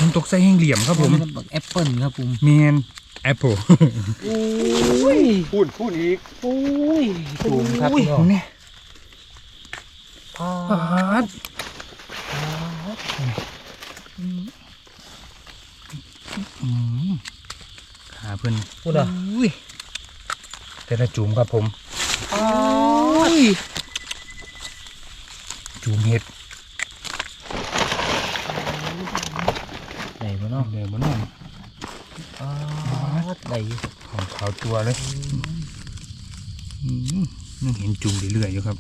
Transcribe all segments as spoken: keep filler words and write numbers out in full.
ำตกใส่แห้งเหลี่ยมครับผมแอปเปิลครับผมเมนแอปเปิลโอ้ยพูดพูดอีกโอ้ยสูงครับพี่น้องเนี่ยพาดขาเพิ่นพูดอ่ะแต่ละจุ่มครับผมจุ่มเห็ดไหนบ้างเนาะเดี๋ยวบ้านน้องไหนของขาวตัวเลยยังเห็นจุ่มเรื่อยๆอยู่ครับ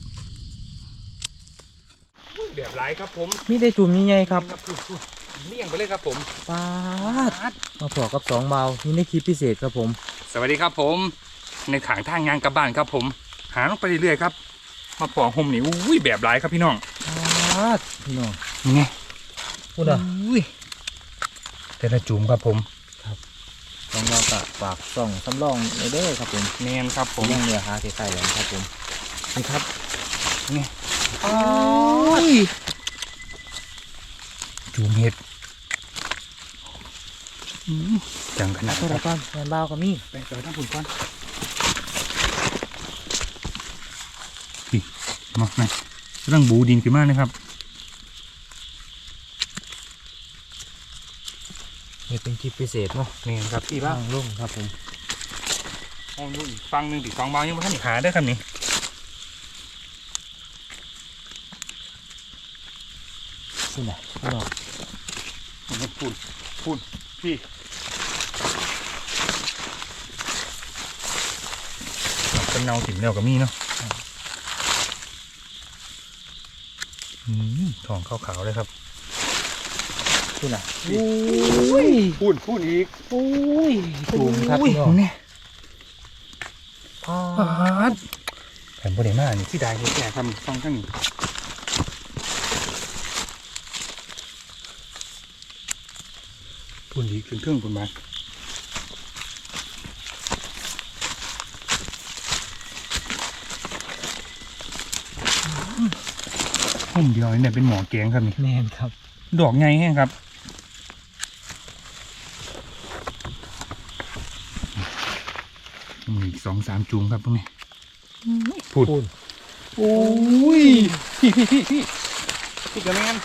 แบบไรครับผมมีได้จุ่มยังไงครับเลี่ยงไปเลยครับผมปาดมาพอกับสองเบานี่ในคลิปพิเศษครับผมสวัสดีครับผมในขางทางงานกลับบ้านครับผมหาลงไปเรื่อยๆครับมาปอกห่มนี่อุ้ยแบบไรครับพี่น้องปาดพี่น้องนี่ไงพูดอ่ะอุ้ยแต่ละจุ่มครับผมครับสองเรากะฝากส่องสำรองในเด้อครับผมเนียนครับผมยังเหลือหาใส่ๆเลยครับผมนี่ครับนี่อ้ยจุ่มเห็ดจังขนาดเท่าไรก้อนแมนเบากับมี่ไปต่อทั้งผุนก้อนพี่มาไหนเรื่องบูดินขึ้นมากนะครับนี่เป็นคลิปพิเศษเนาะนี่ครับพี่บ้างลุ่งครับผมห้องดูอีกฟังหนึ่งตีสองเบายังไม่ทันหาได้ครับนี่พูดไหนพูดหรอพูดพูดพี่เป็นเนาถิ่นเนากับมีเนาะทองขาวๆเลยครับพูดไหนพูดพูดอีกโอ้ยสูงครับพี่น้องเนี่ยพาดแผ่นโบเดมานี่ที่ได้แก่ทำฟังกันนี่พูดอีกเครื่องๆคุณมาห่มเดียวนี่เป็นหมอแกงครับนี่แน่นครับดอกไงแห้งครับมีอีกสองสามจุ่มครับตรงนี้พูดโอ้ยพี่พี่พี่พี่พี่กระแมน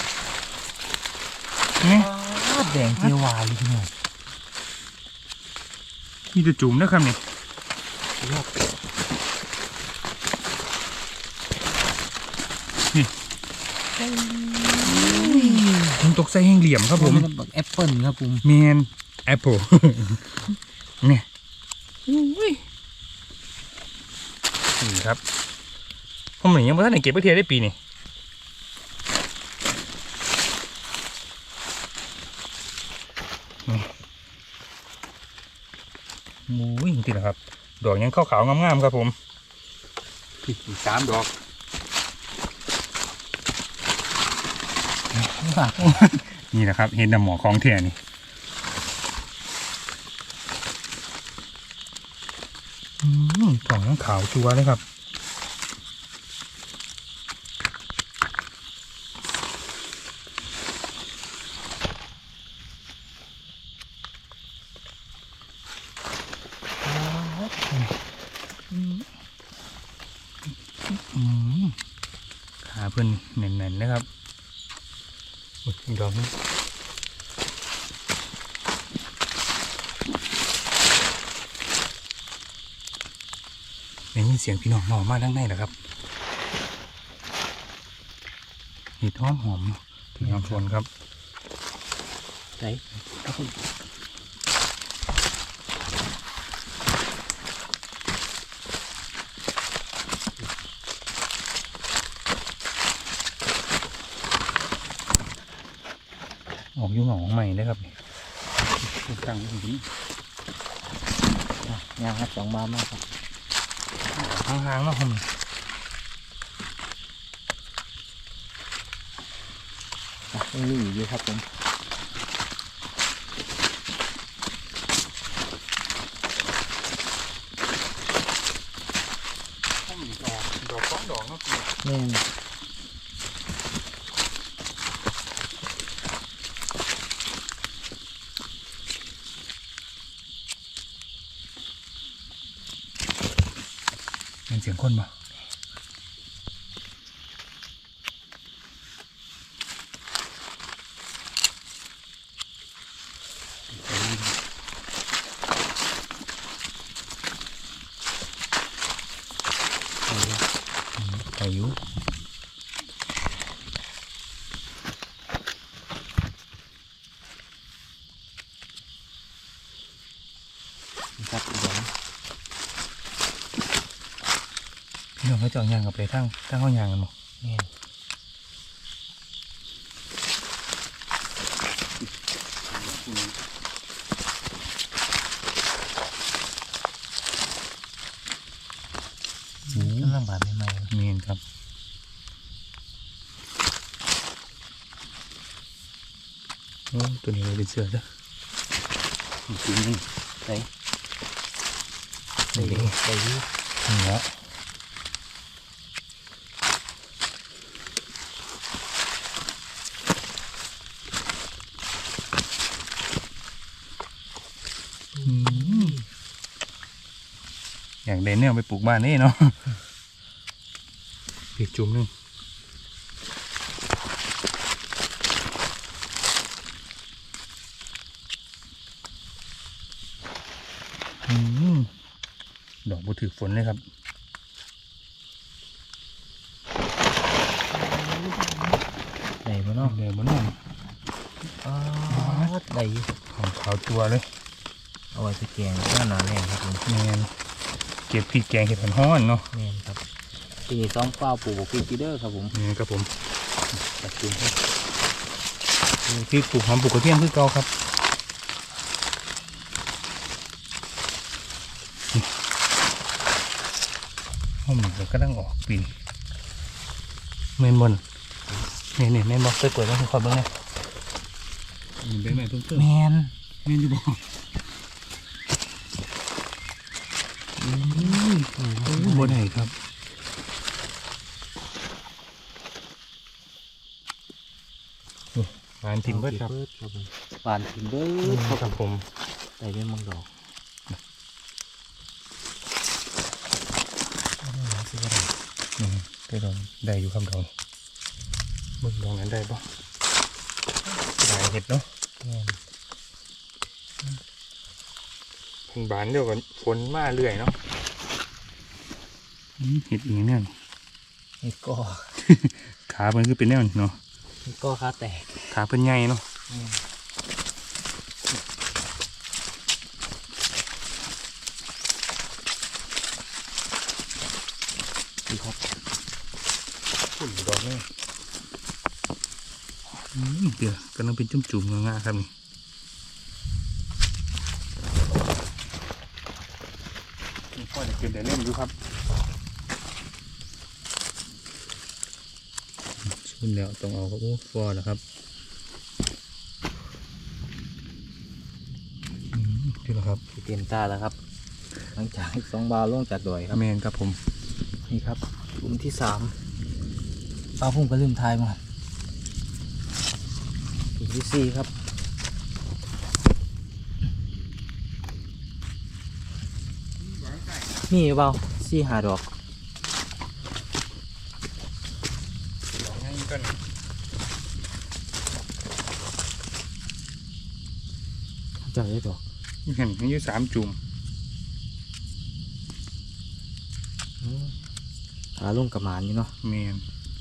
นี่แดงเจียววายพี่น้องมีจะจุ่มนะครับนี่นี่ผมตกใส่แห้งเหลี่ยมครับผมแอปเปิลครับผมเมนแอปเปิลเนี่ยนี่ครับผมเหมือนยังไม่ทันได้เก็บไปเทียได้ปีนี่โอ้ยจริงๆนะครับดอกยังขาวๆงามๆครับผมอีกสามดอกนี่แหละครับเห็นดำหมอของเทียนี่ดอกยังขาวชัวร์เลยครับขาเพิ่นแน่นๆนะครับอีกดอกนึงได้ยินเสียงพี่น้องนอนมาด้านในเหรอครับเห็ดหอมหอมพี่น้องชวนครับไหนออกยุ่งหงของใหม่นะครับตั้งอยู่นี่ยางครับสองบาทมากครับห่างๆเนาะผมยังมีอยู่ครับผมดอกสองดอกเนาะนี่สียงคนบ่อายุครับอีกแล้วพี่น้องเขาจะเอายางกับไปทั้งทั้งเขายางกันหมดนี่กำลังบาดใหม่ๆเมียนครับโอ้ตัวนี้เลยเป็นเสือจ้ะจริงนี่ไหนนี่ใส่ยี่นี่ละอืมอยากเด่นเนี่ยเอาไปปลูกบ้านนี่เนาะปีกจุ่มหนึงอืมดอกบัวถือฝนเลยครับไหนบ้างเนาะเนาะเดี๋ยวมันนุ่มอ๋อได้อยู่ของขาวตัวเลยเอาไว้ไปแกงหน้าหนาแน่ครับผมแมนเก็บพริกแกงเห็ดห้อนๆเนาะแม่นครับปีนี้ซ้อมเฝ้าปลูกบกพริกกีเดอร์ครับผมนี่ครับผมตัดจุ่มครับพริกปลูกหอมปลูกกระเทียมคือเก่าครับหอมเดี๋ยวก็ต้องออกปีเมนบนเนี่ยเนี่ยแม่นบอกเคยเปิดแล้วคุณขอเบิ้งเนี่ยใบไม้เพิ่งเพิ่มแมนแม่นอยู่บ่อืมบ่ได้ครับหวานทิมเบิดครับครับผมปานทิมเบิดครับผมใส่เป็นมังดอกสิบอะไรอืมได้ดอกได้อยู่ครับดอกเบิ่งดอกนั้นได้ปะได้เห็ดเนาะแม่นเพิ่งบานเดียวกันฝนมาเรื่อยเนาะอืมเห็ดอีกเนี่ยนี่ก็ขาเพิ่นคือเป็นแนวนี้เนาะนี่ก็ขาแตกขาเพิ่นใหญ่เนาะแม่นดีครับฝุ่นดอกนี่อืมเดี๋ยวกำลังเป็นจุ่มๆงาๆครับนี่นี่พ่อจะเก็บได้เล่นอยู่ครับชุนแล้วต้องเอาครับโอ้ฟอแล้วครับอืมนี่แหละครับเตรียมตาแล้วครับ หลังจากสองบาลงจากดอยครับแมนครับผมนี่ครับกลุ่มที่สามปลาพุ่งก็ลืมทายมากกลุ่มที่สี่ครับนี่เบาสี่หาดอกดอกง่ายกันจับได้ดอกเห็นอายุสามจุ่มหาลงกับหมานอยู่เนาะแมน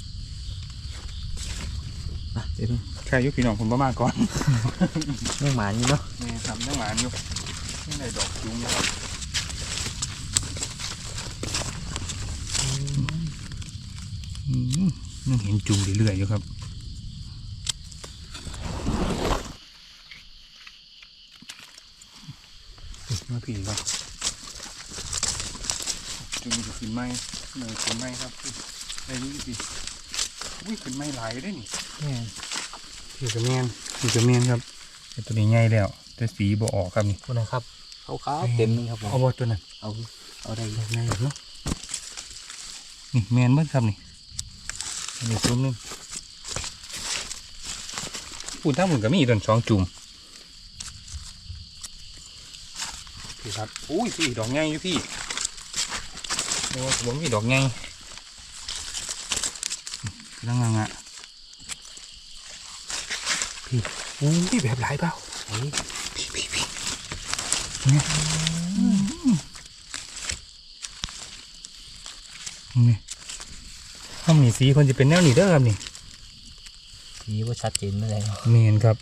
อ่ะเดี๋ยวดูแค่อายุพี่น้องผมประมาณก่อนเรื่องหมานอยู่เนาะแม่ทำนั่งหมานอยู่นี่ในดอกจุ้มนะครับอืมยังเห็นจุ่มเรื่อยๆอยู่ครับมาผีครับจุ่มจะขึ้นไม้เนยขึ้นไม้ครับได้นี่สิอุ้ยขึ้นไม้หลายได้นี่แม่นพี่กระเมียนพี่กระเมียนครับแต่ตัวนี้ใหญ่แล้วแต่สีบ่ออกครับนี่คุณนะครับขาวๆเต็มนี่ครับผมเอาบ่ตัวนั้นเอาเอาได้ดอกใหญ่เนาะนี่แมนเบิ้ครับนี่อันนี้จุ่มนึงปุ่นทั้งหมดก็มีอีกต้นสองจุ่มพี่ครับอุ้ยพี่ดอกใหญ่อยู่พี่อ้ผมมีดอกไงกำลังงอ่ะพี่อู้พี่แบบหลายเปล่าเฮ้ยพี่พี่พี่เนี่ยนี่ห้องนี้สีคนจะเป็นแนวนี้เด้อครับนี่สีว่าชัดเจนไม่ได้เนาะเมนครับ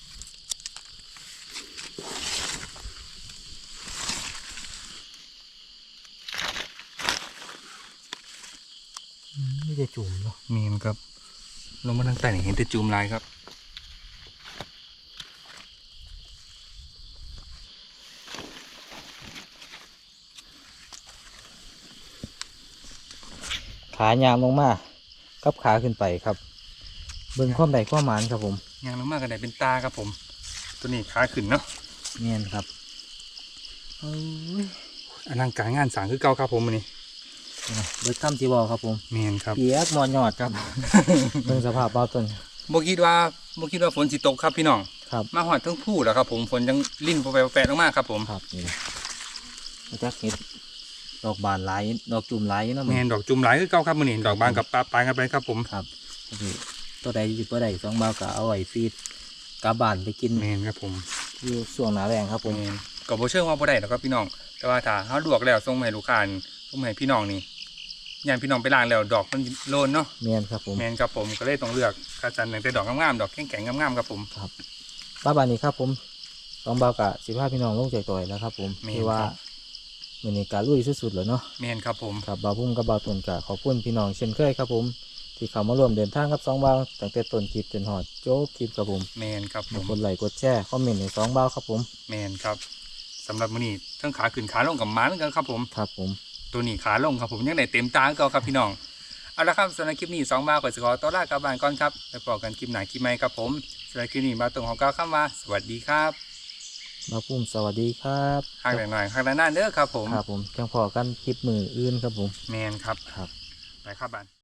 ไม่ได้จุ่มเนาะเมนครับลงมาทางใต้นี่เห็นแต่จูมลายครับขายางลงมากับขาขึ้นไปครับ เบิ่งความใดความหมานครับผมยางลงมากกันได้เป็นตาครับผม ตัวนี้ขาขึ้นเนาะเนียนครับเอ้ยอลังการงานสร้างคือเก่าครับผมมันนี่เบิดคำที่บอกครับผมเมนครับเปียกมอนยอดครับ เบิ่งสภาพเบาต้นโมคิดว่าโมคิดว่าฝนสิตกครับพี่น้องครับมาหอดทั้งผู้แล้วครับผมฝนยังลิ่นแปะแปะลงมาครับผมครับนี่มาจากเห็ดดอกบานหลายดอกจุ่มหลายอยู่เนาะแมนดอกจุ่มหลายคือเก่าครับมันนี่ดอกบานกับปลาปลายกันไปครับผมครับนี่ตัวใดอยู่ตัวใดสองเบาก็เอาไว้ฟีดกาบานไปกินแมนครับผมอยู่ช่วงหนาแรงครับผมแมนก็บ่เชื่อว่าบ่ได้หรอกครับพี่น้อง แต่ว่าถ้าเขาลวกแล้วส่งมาให้ลูกค้าส่งมาให้พี่น้องนี่ยามพี่น้องไปล้างแล้วดอกมันโลนเนาะเนียนครับผมแมนครับผมก็เลยต้องเลือกคัดสรรแต่ดอกงามๆดอกแข็งๆงามๆครับผมป้าบานนี้ครับผมสองเบากะสิบห้าพี่น้องลงใจต่อยแล้วครับผมแม่นที่ว่าครับมือนี้การลุยสุดๆเลยเนาะแมนครับผมครับบาวพุ่มกับบาวตุนกะขอบคุณพี่น้องเช่นเคยครับผม ที่เข้ามาร่วมเดินทางกับสองเบาตั้งแต่ต้นคลิปจนหอดโจ๊กคลิปครับผมแมนครับผมกดไลค์กดแชร์คอมเมนต์ในสองเบาครับผมแมนครับสำหรับมื้อนี้ทั้งขาขึ้นขาลงกับหมันกันครับผมครับผมตัวนี้ขาลงครับผมยังได้เต็มตาคือเก่าครับพี่น้องเอาละครับสำหรับคลิปนี้สองบาทก่อนสิขอตัวลากลับบ้านก่อนครับแล้วพบกันคลิปหน้าคลิปใหม่ครับผมสำหรับคลิปนี้บาตรงของเก้าข้ามมาสวัสดีครับบาวพุ่มสวัสดีครับห่างหน่อยห่างนานๆเด้อครับผมครับผมจังพอกันคลิปมืออื่นครับผมแมนครับครับไปครับบ้าน